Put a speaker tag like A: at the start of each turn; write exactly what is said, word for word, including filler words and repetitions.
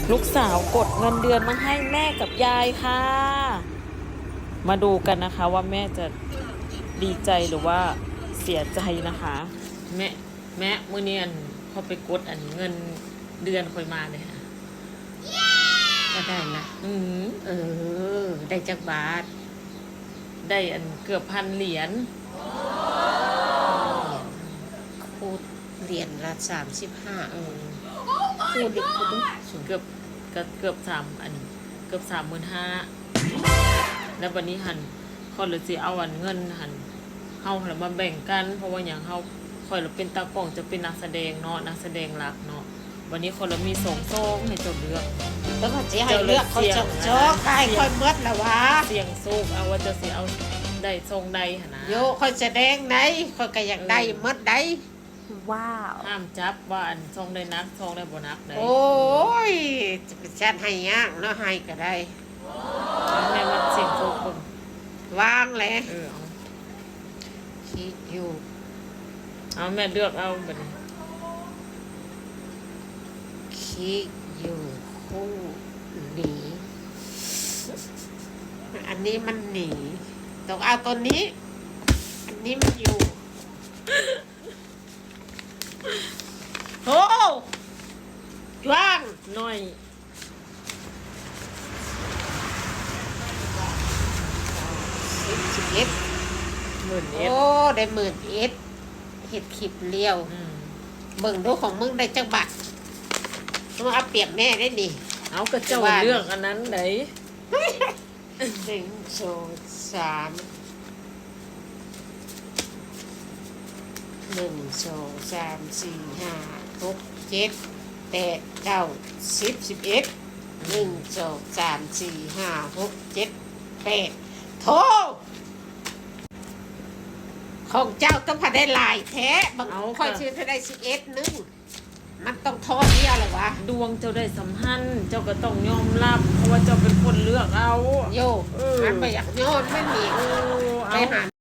A: ลูกสาวกดเงินเดือนมาให้แม่กับยายค่ะ มาดูกันนะคะว่าแม่จะดีใจหรือว่าเสียใจนะคะ แม่แม่มื้อนี้อันพอไปกดอันเงินเดือนค่อยมาเลยค่ะ
B: ก็ได้ละ
A: อืม
B: เออ ได้จักบาท
A: ได้อันเกือบพันเหรียญ
B: คูดเหรียญละสามสิบห้า
A: เออ
B: คูดอีกคูด
A: เกือบก็เกือบสามอันเกือบสามหมื่นห้าแล้ววันนี้หันคนเลยสิเอาอันเงินหันเฮาแล้วมาแบ่งกันเพราะว่าอย่างเฮาคอยเราเป็นตากล้องจะเป็นนักแสดงเนาะนักแสดงหลักเนาะวันนี้คนเรามีสองโซ่ให้เจ้าเลือก
B: แล้วก็จะให้เลือกเขาจกจกใครค่อยเมื่อละวะ
A: เสียงโซ่เอาว่าจะสิเอาได้ทรงใดหนนะ
B: โยค่อยแสดงไหนค่อยก็อยากได้เมื่อใด
C: ว้าว
A: ห้ามจับว่าอันทรงได้นักทรงได้บ่นักได้
B: โอ้ยจะเป็นชันให้ยากเนาะให้ก็ได้
A: แม่มาเสียงโซ่คน
B: วางเลย
A: เออเอา
B: คิดอยู่
A: เอาแม่เลือกเอาแบบนี้
B: คิดอยู่คู่หนีอันนี้มันหนีต้องเอาตัวนี้อันนี้มันอยู่โอ้ว่าง
A: น้อย
B: สิบสิบเอ็ด
A: หมื่นเอ็ด
B: โอ้ได้หมื่นเอ็ดเห็ดขีบเลี้ยวเบิ่งดูของมึงได้จักบาทมึงเอาเปรียบแม่ได้ดิ
A: เอากระเจ้าเลือกอันนั้นไหน
B: หนึ่งสองสามหนึ่งสองสามสี่ห้าหกเจ็ดแปดเก้าสิบสิบเอ็ดหนึ่งสองสามสี่ห้าหกเจ็ดแปดโทของเจ้าต้องพาได้ลายแท้บางค่อยชื่อถ้าได้สิบเอ็ดนึงมันต้องทอดเดียวเลยวะ
A: ดวงเจ้าได้สัมพันธ์เจ้าก็ต้องยอมรับเพราะว่าเจ้าเป็นคนเลือกเอา
B: โยมันไม่อยากโยนไม่มีไปหา